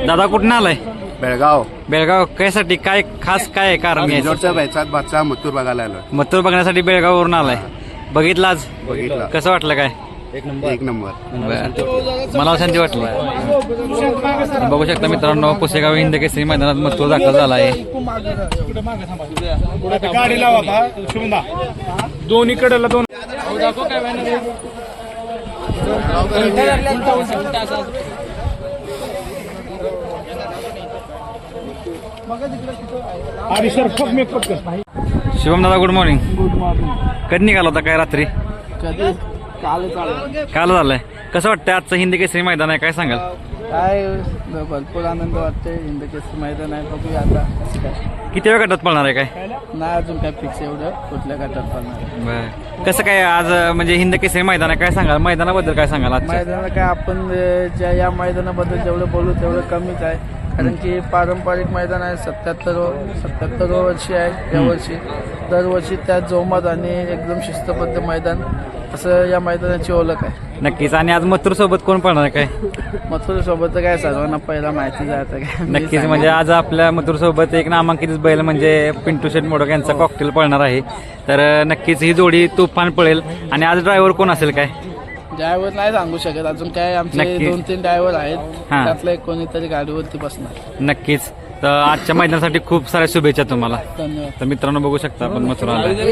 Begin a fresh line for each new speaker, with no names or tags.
दादा कुठून आलाय?
बेळगाव.
बेळगाव कशासाठी? काय खास काय आहे कारण?
रिसॉर्टच्या बैचात बादशाह मथुर बघायला आलो.
मथुर बघण्यासाठी बेळगाववरून आलाय. बघितलं आज?
बघितलं.
कसं वाटलं? काय
एक नंबर.
मला शांती वाटली. बघू शकता मित्रांनो, पुसेगाव हिंद केसरी मैदानात मथुर दाखल झाला आहे.
गाडी लावा शुभदा दोन्ही कडेला दोन आणि सर फक मी पटकन.
शिवम दादा गुड मॉर्निंग. कधी निघाला होता? काय रात्री? काल झालंय. कसं वाटतंय आजचं हिंद केसरी मैदान आहे? काय सांगाल?
काय भरपूर आनंद वाटतोय. हिंद केसरी मैदान आहे. बघूया आता काय.
किती वेळ गटात पळणार आहे? काय
नाही अजून काय फिक्स एवढं कुठल्या गटात पडणार.
बरं. कसं काय आज म्हणजे हिंद केसरी मैदान आहे? काय सांगाल मैदानाबद्दल? काय सांगाल आज?
मैदानाला काय आपण या मैदानाबद्दल जेवढं बोलू तेवढं कमीच आहे. कारण की पारंपरिक मैदान आहे. 77 वर्षी आहे यावर्षी. दरवर्षी त्यात जोमात आणि एकदम शिस्तबद्ध मैदान असं या मैदानाची ओळख आहे.
नक्कीच. आणि आज मथुर सोबत कोण पळणार आहे? काय
मथुर सोबत काय सर्वांना पहिला माहितीच आहे आता काय.
नक्कीच. म्हणजे आज आपल्या मथुर सोबत एक नामांकित बैल म्हणजे पिंटू शेट मोडक यांचा कॉकटेल पळणार आहे. तर नक्कीच ही जोडी तुफान पळेल. आणि आज ड्रायव्हर कोण असेल? काय
ड्रायव्हर नाही सांगू शकत अजून. काय आमचे
नक्की.
2-3 ड्रायव्हर आहेत.
हां.
त्यातला एक कोणीतरी गाडीवरती बसणार.
नक्कीच. तर आजच्या मैदानासाठी खूप साऱ्या शुभेच्छा तुम्हाला.
धन्यवाद.
तर मित्रांनो बघू शकता आपण मथुराला